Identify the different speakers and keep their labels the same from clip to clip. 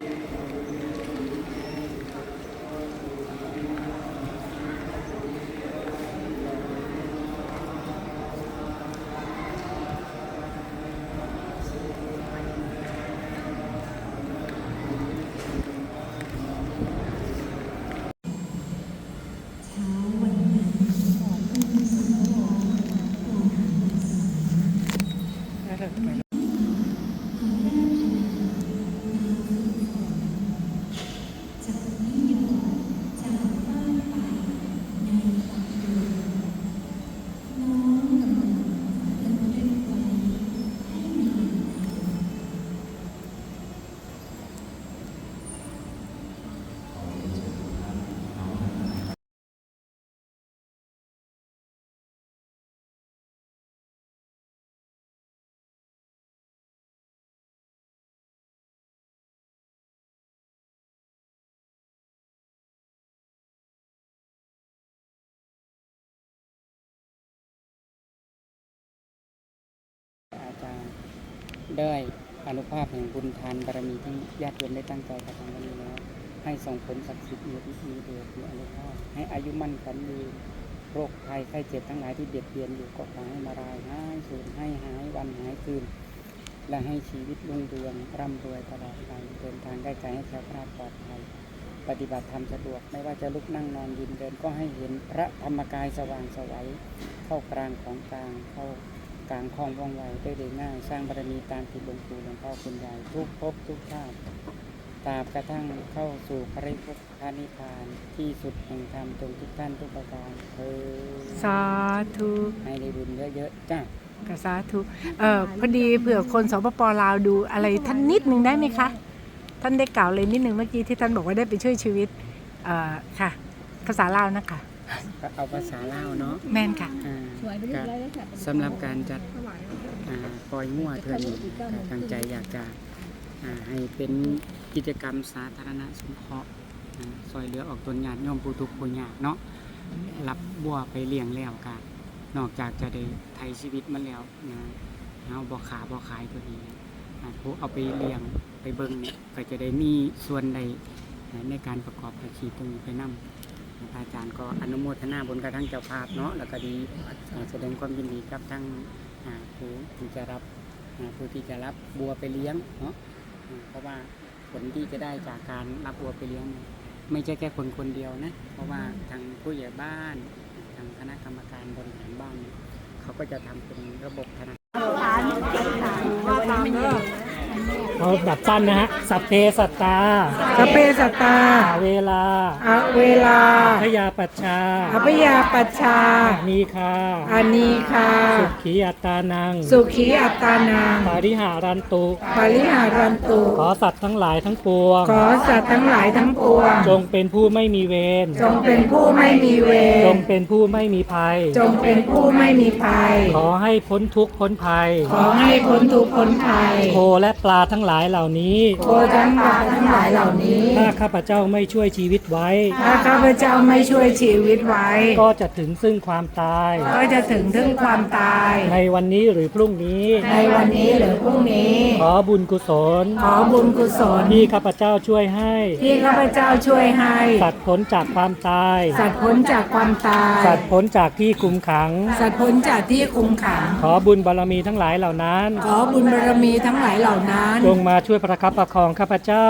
Speaker 1: อาจารย์ได้อนุภาพแห่งบุญทานบารมีที่ญาติโยมได้ตั้งใจกระทำวันนี้แล้วให้ส่งผลศักดิ์สิทธิ์มีพิธีเดชมีอนุภาพให้อายุมั่นขวัญยืนโรคภัยไข้เจ็บทั้งหลายที่เบียดเบียนอยู่ก็ขอให้มารายหายสูญให้หายวันหายคืนและให้ชีวิตรุ่งเรืองร่ำรวยตลอดไปเดินทางได้ไกลให้แคล้วคลาดปลอดภัยปฏิบัติธรรมสะดวกไม่ว่าจะลุกนั่งนอนยืนเดินก็ให้เห็นพระธรรมกายสว่างไสวเข้ากลางของกลางเข้ากลางคลองว่องไวได้ง่ายสร้างบารมีตามที่หลวงปู่หลวงพ่อคุณยายทุกภพทุกชาติตราบกระทั่งเข้าสู่พระนิพพานที่สุดแห่งธรรมจงทุกท่านทุกประการ
Speaker 2: สาธุ
Speaker 1: ให้ได้บุญเยอะๆจ้า
Speaker 2: สาธุพอดีเผื่อคนสปป.ลาวดูอะไรท่านนิดนึงได้ไหมคะท่านได้กล่าวเลยนิดนึงเมื่อกี้ที่ท่านบอกว่าได้ไปช่วยชีวิตค่ะภาษาลาวนะคะ
Speaker 1: เอาภาษาลาวเนาะ
Speaker 2: แม่นค่ะ
Speaker 1: สำหรับการจัดปล่อยมั่วเถื่อนทางใจอยากจะให้เป็นกิจกรรมสาธารณะสงเคราะห์ซอยเหลือออกตนญาติโยมผู้ทุกข์ผู้ยากเนาะรับบัวไปเลี้ยงแล้วกันนอกจากจะได้ไถ่ชีวิตมันแล้วนะเอาบ่ขาบ่ขายตัวนี้ผู้เอาไปเลี้ยงไปเบิ่งเนี่ยก็จะได้มีส่วนใดในการประกอบอาชีพตรงนี้ไปนำอาจารย์ก็อนุโมทนาบุญกับทั้งเจ้าภาพเนาะแล้วก็ดีแสดงความยินดีกับทั้งผู้ที่จะรับบัวไปเลี้ยงเนาะเพราะว่าผลที่จะได้จากการรับบัวไปเลี้ยงไม่ใช่แค่คนเดียวนะเพราะว่าทางผู้ใหญ่บ้านทางคณะกรรมการบริหารบ้านเขาก็จะทำเป็นระบบธนาคาร
Speaker 3: เอาแบบสั้นนะฮะสัพเพสัตตาเวลาพยาปัชชานีคาสุขีอัตตานังปาริหารันตุขอสัตว์ทั้งหลายทั้งปวงจงเป็นผู้ไม่มีเวรจงเป็นผู้ไม่มีภัยขอให้พ้นทุกข์พ้นภัยโคและปลาทั้งหลายเหล่านี้ถ้าข้าพเจ้าไม่ช่วยชีวิตไว้ก็จะถึงซึ่งความตายในวันนี้หรือพรุ่งนี้ขอบุญกุศลที่ข้าพเจ้าช่วยให้สัตว์พ้นจากความตายสัตว์พ้นจากที่คุมขังขอบุญบารมีทั้งหลายเหล่านั้นจงมาช่วยประคับประคองข้าพเจ้า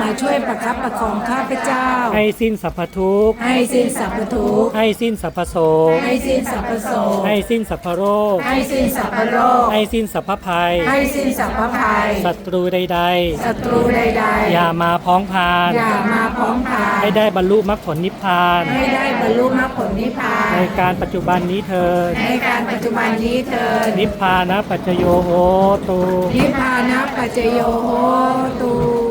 Speaker 3: ให้สิ้นสรรพทุกข์ให้สิ้นสรรพโศกให้สิ้นสรรพโรคให้สิ้นสรรพภัยศัตรูใดๆอย่ามาพ้องพานให้ได้บรรลุมรรคผลนิพพานในการปัจจุบันนี้เถิดนิพพานะปัจจโยโหตุ